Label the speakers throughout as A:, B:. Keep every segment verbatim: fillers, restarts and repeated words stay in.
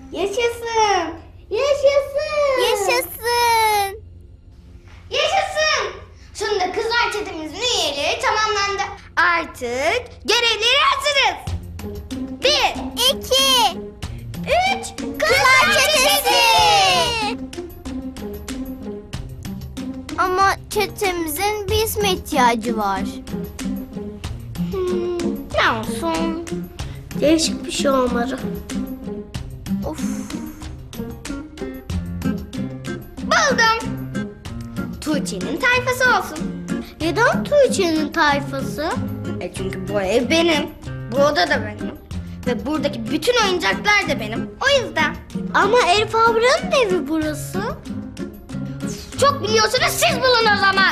A: Yaşasın. Yaşasın.
B: Yaşasın.
A: Yaşasın. Sonunda kızlar çetemizin üyeleri tamamlandı. Artık görevleri hazırız. Bir,
B: İki.
A: üç,
B: Kızlar çetesi. Ama çetemizin bir isme ihtiyacı var.
A: Hmm, ne olsun? Değişik bir şey olmalı.
B: Of.
A: Buldum. Tuğçe'nin tayfası olsun. Neden Tuğçe'nin tayfası? E çünkü bu ev benim. Bu oda da benim. Ve buradaki bütün oyuncaklar da benim. O yüzden. Ama Elif ablanın evi burası. Çok biliyorsunuz, siz bulun o zaman.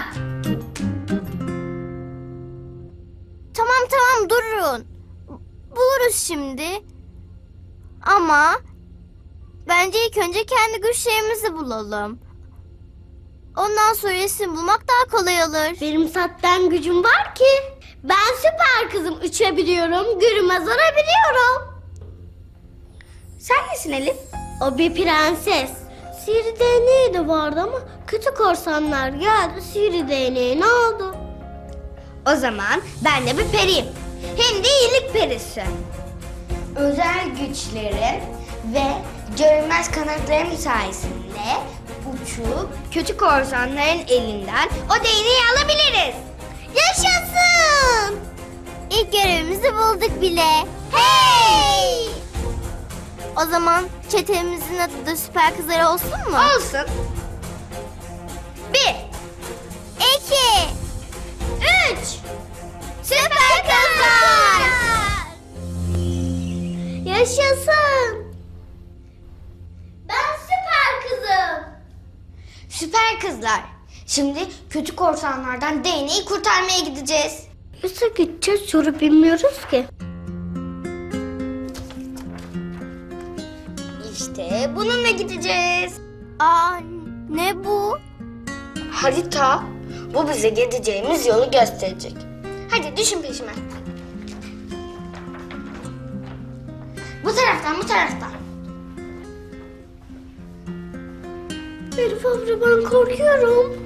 B: Tamam tamam durun. Buluruz şimdi. Ama bence ilk önce kendi güçlerimizi bulalım. Ondan sonra resim bulmak daha kolay olur.
A: Benim zaten gücüm var ki. Ben süper kızım. Uçabiliyorum, görünmez olabiliyorum. Sen nesin Elif? O bir prenses. Sihirli değneği de vardı ama kötü korsanlar geldi. Sihirli değneği ne oldu? O zaman ben de bir periyim. Hem de iyilik perisi. Özel güçlerim ve görünmez kanatlarım sayesinde uçup kötü korsanların elinden o değneği alabiliriz.
B: Yaşasın! İlk görevimizi bulduk bile. Hey! O zaman çetemizin adı da Süper Kızlar olsun mu?
A: Olsun. Bir,
B: İki.
A: üç.
B: Süper Kızlar!
A: Yaşasın. Ben süper kızım. Süper kızlar. Şimdi kötü korsanlardan değneği kurtarmaya gideceğiz. Nasıl gideceğiz soru bilmiyoruz ki. İşte bununla gideceğiz.
B: Aa, ne bu?
A: Harita. Bu bize gideceğimiz yolu gösterecek. Hadi düşün peşime. Bu taraftan, bu taraftan. Elif abla, ben korkuyorum.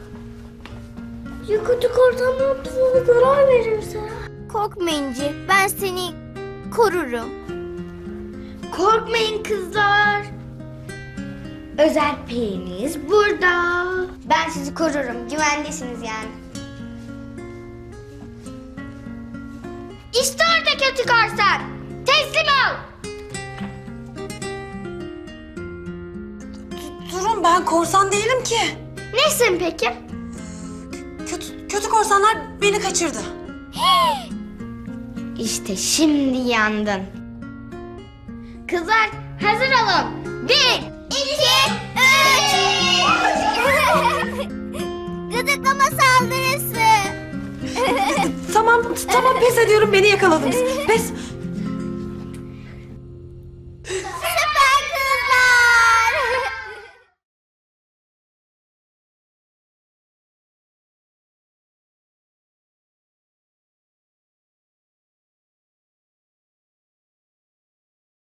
A: Ya kötü korsanlar bize zarar verirse?
B: Korkma İnci, ben seni korurum.
A: Korkmayın kızlar. Özel periniz burada. Ben sizi korurum. Güvendesiniz yani. İşte orada kötü korsan. Teslim ol.
C: Durun, ben korsan değilim ki.
A: Nesin peki?
C: Kötü, kötü korsanlar beni kaçırdı.
A: İşte şimdi yandın. Kızlar hazır olun. Bir, iki, üç.
B: Gıdıklama saldırısı.
C: Tamam, tamam pes ediyorum, beni yakaladınız. Pes,